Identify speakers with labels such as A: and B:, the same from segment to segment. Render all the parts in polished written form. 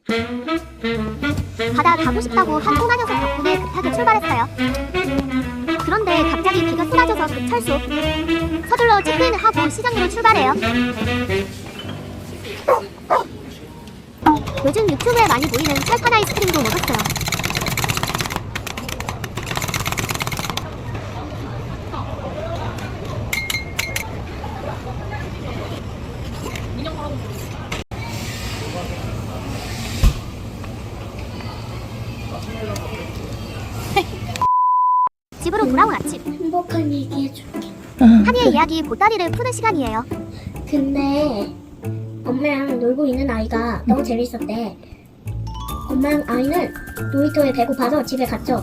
A: 바다 가고 싶다고 한 꼬마 녀석 덕분에 급하게 출발했어요. 그런데 갑자기 비가 쏟아져서 급철수. 서둘러 체크인을 하고 시장으로 출발해요. 요즘 유튜브에 많이 보이는 철판 아이스크림도 먹었어요. 집으로 돌아온 아침.
B: 행복한 얘기 해줄게.
A: 한이의 이야기 보따리를 푸는 시간이에요.
B: 근데 엄마랑 놀고 있는 아이가 너무 재밌었대. 엄마랑 아이는 놀이터에 배고파서 집에 갔죠.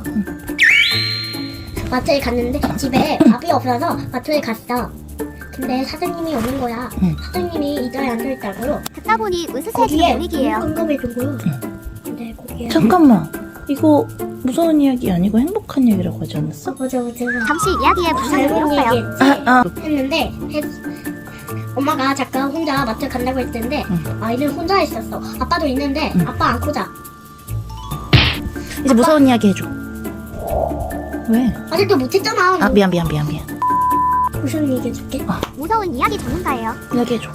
B: 마트에 갔는데 집에 밥이 없어서 마트에 갔어. 근데 사장님이 없는 거야. 사장님이 의자에 앉아있다고요.
A: 듣다 보니 으스스해지는
B: 거기에
A: 분위기예요.
B: 깜깜해진 거요. 근데 거기에
C: 잠깐만, 이거 무서운 이야기 아니고 행복한 얘기라고 하지 않았어?
B: 맞아.
A: 잠시 이야기에 분장을
B: 잘못
A: 잃었어요.
B: 얘기했지. 했는데 엄마가 잠깐 혼자 마트 간다고 했는데 아이는 혼자 있었어. 아빠도 있는데 아빠 안고 자.
C: 이제 무서운 이야기 해줘. 왜?
B: 아직도 못했잖아.
C: 아, 미안.
B: 무슨 얘기 해줄게?
A: 무서운 이야기 전문가예요.
C: 이야기 해줘.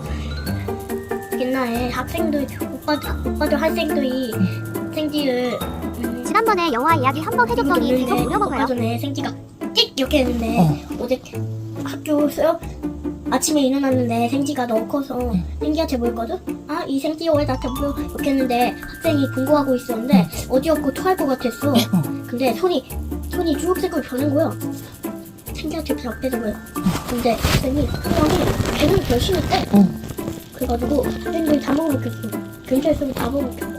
B: 옛날에 학생들 오빠들 학생들이 생지를
A: 지난번에 영화 이야기 한 번 해줬더니 계속
B: 얼마
A: 물어먹어요.
B: 전에 생지가 띡 이렇게 했는데 어제 학교 수업 아침에 일어났는데 생지가 너무 커서 생지한테 물었거든? 아, 이 생지 왜 나한테 물어? 이렇게 했는데 학생이 공부하고 있었는데 어지럽고 토할 것 같았어. 근데 손이 주황색으로 변한 거야. 생지한테 앞에서 거야. 근데 학생이 걔는 결심했대. 그래가지고 학생들이 다 먹어먹혔어. 근처에 있으면 다 먹어먹혀.